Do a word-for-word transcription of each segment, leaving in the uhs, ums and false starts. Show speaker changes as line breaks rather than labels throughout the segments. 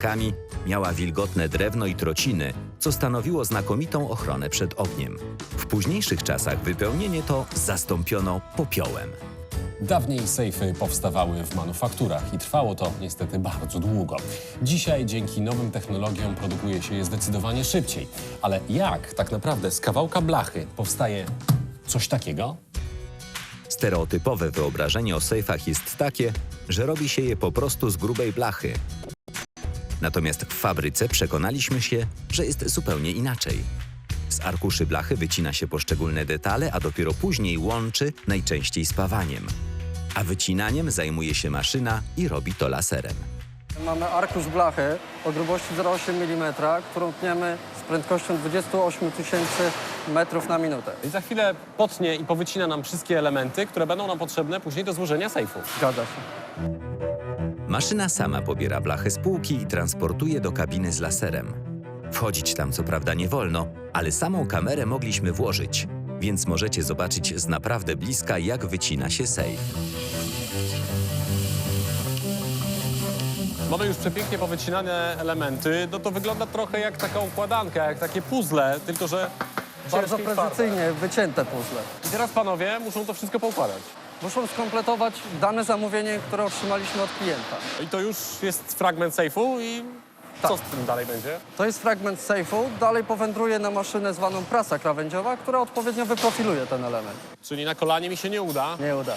kami, miała wilgotne drewno i trociny, co stanowiło znakomitą ochronę przed ogniem. W późniejszych czasach wypełnienie to zastąpiono popiołem.
Dawniej sejfy powstawały w manufakturach i trwało to niestety bardzo długo. Dzisiaj dzięki nowym technologiom produkuje się je zdecydowanie szybciej. Ale jak tak naprawdę z kawałka blachy powstaje coś takiego?
Stereotypowe wyobrażenie o sejfach jest takie, że robi się je po prostu z grubej blachy. Natomiast w fabryce przekonaliśmy się, że jest zupełnie inaczej. Z arkuszy blachy wycina się poszczególne detale, a dopiero później łączy, najczęściej spawaniem. A wycinaniem zajmuje się maszyna i robi to laserem.
Mamy arkusz blachy o grubości zero przecinek osiem milimetra, którą tniemy z prędkością dwadzieścia osiem tysięcy metrów na minutę.
I za chwilę potnie i powycina nam wszystkie elementy, które będą nam potrzebne później do złożenia sejfu.
Zgadza się.
Maszyna sama pobiera blachę z półki i transportuje do kabiny z laserem. Wchodzić tam co prawda nie wolno, ale samą kamerę mogliśmy włożyć, więc możecie zobaczyć z naprawdę bliska, jak wycina się sejf.
Mamy już przepięknie powycinane elementy. No to wygląda trochę jak taka układanka, jak takie puzzle, tylko że
Bardzo
ciężkie i twarde.
precyzyjnie wycięte puzzle.
I teraz panowie muszą to wszystko poukładać.
Muszą skompletować dane zamówienie, które otrzymaliśmy od klienta.
I to już jest fragment sejfu i co
Tak.
z tym dalej będzie?
To jest fragment sejfu, dalej powędruje na maszynę zwaną prasa krawędziowa, która odpowiednio wyprofiluje ten element.
Czyli na kolanie mi się nie uda.
Nie uda.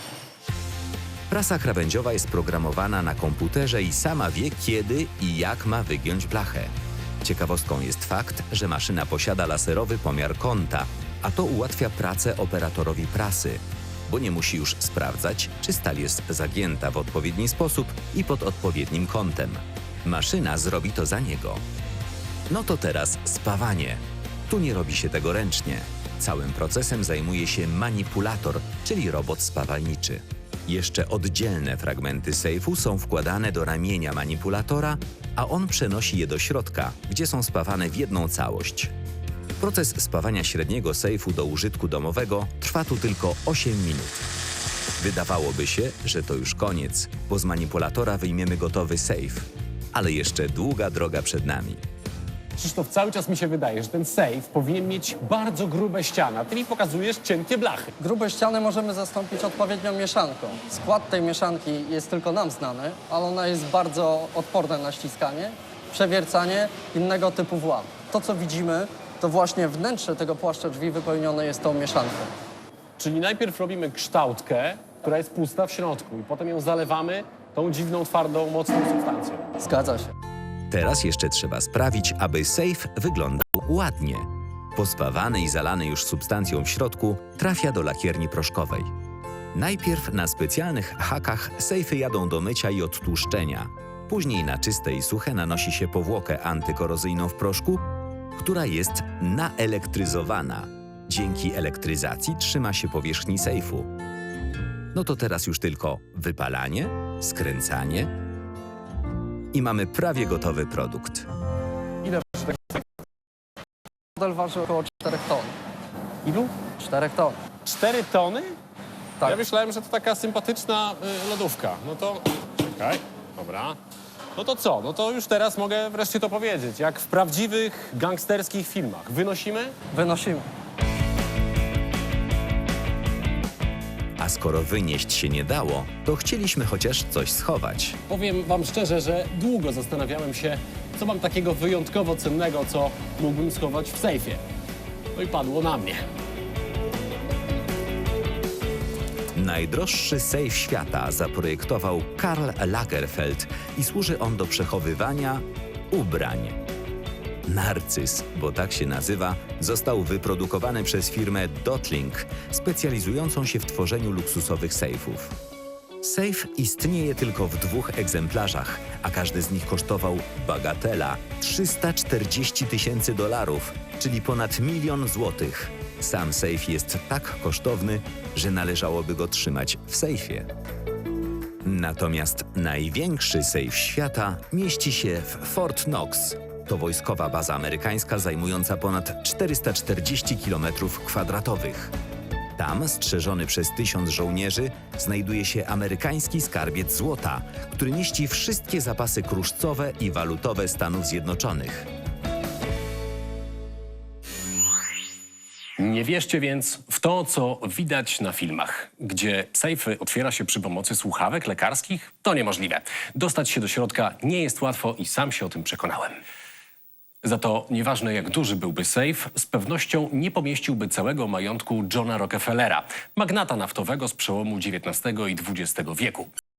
Prasa krawędziowa jest programowana na komputerze i sama wie, kiedy i jak ma wygiąć blachę. Ciekawostką jest fakt, że maszyna posiada laserowy pomiar kąta, a to ułatwia pracę operatorowi prasy, bo nie musi już sprawdzać, czy stal jest zagięta w odpowiedni sposób i pod odpowiednim kątem. Maszyna zrobi to za niego. No to teraz spawanie. Tu nie robi się tego ręcznie. Całym procesem zajmuje się manipulator, czyli robot spawalniczy. Jeszcze oddzielne fragmenty sejfu są wkładane do ramienia manipulatora, a on przenosi je do środka, gdzie są spawane w jedną całość. Proces spawania średniego sejfu do użytku domowego trwa tu tylko osiem minut. Wydawałoby się, że to już koniec, bo z manipulatora wyjmiemy gotowy sejf. Ale jeszcze długa droga przed nami.
Krzysztof, cały czas mi się wydaje, że ten sejf powinien mieć bardzo grube ściany, a ty mi pokazujesz cienkie blachy.
Grube ściany możemy zastąpić odpowiednią mieszanką. Skład tej mieszanki jest tylko nam znany, ale ona jest bardzo odporna na ściskanie, przewiercanie, innego typu włam. To, co widzimy, to właśnie wnętrze tego płaszcza drzwi wypełnione jest tą mieszanką.
Czyli najpierw robimy kształtkę, która jest pusta w środku i potem ją zalewamy tą dziwną, twardą, mocną substancją.
Zgadza się.
Teraz jeszcze trzeba sprawić, aby sejf wyglądał ładnie. Pospawany i zalany już substancją w środku trafia do lakierni proszkowej. Najpierw na specjalnych hakach sejfy jadą do mycia i odtłuszczenia. Później na czyste i suche nanosi się powłokę antykorozyjną w proszku, która jest naelektryzowana. Dzięki elektryzacji trzyma się powierzchni sejfu. No to teraz już tylko wypalanie, skręcanie i mamy prawie gotowy produkt.
Ile waży taki
Model waży około czterech ton.
Ilu?
czterech ton.
Cztery tony?
Tak.
Ja myślałem, że to taka sympatyczna y, lodówka. No to... Czekaj, dobra. No to co? No to już teraz mogę wreszcie to powiedzieć. Jak w prawdziwych gangsterskich filmach. Wynosimy?
Wynosimy.
A skoro wynieść się nie dało, to chcieliśmy chociaż coś schować.
Powiem wam szczerze, że długo zastanawiałem się, co mam takiego wyjątkowo cennego, co mógłbym schować w sejfie. No i padło na mnie.
Najdroższy sejf świata zaprojektował Karl Lagerfeld i służy on do przechowywania ubrań. Narcyz, bo tak się nazywa, został wyprodukowany przez firmę Dotling, specjalizującą się w tworzeniu luksusowych sejfów. Sejf istnieje tylko w dwóch egzemplarzach, a każdy z nich kosztował, bagatela, trzysta czterdzieści tysięcy dolarów, czyli ponad milion złotych. Sam sejf jest tak kosztowny, że należałoby go trzymać w sejfie. Natomiast największy sejf świata mieści się w Fort Knox. To wojskowa baza amerykańska zajmująca ponad czterysta czterdzieści kilometrów kwadratowych. Tam, strzeżony przez tysiąc żołnierzy, znajduje się amerykański skarbiec złota, który mieści wszystkie zapasy kruszcowe i walutowe Stanów Zjednoczonych.
Nie wierzcie więc w to, co widać na filmach, gdzie sejfy otwiera się przy pomocy słuchawek lekarskich. To niemożliwe. Dostać się do środka nie jest łatwo i sam się o tym przekonałem. Za to nieważne jak duży byłby sejf, z pewnością nie pomieściłby całego majątku Johna Rockefellera, magnata naftowego z przełomu dziewiętnastego i dwudziestego wieku.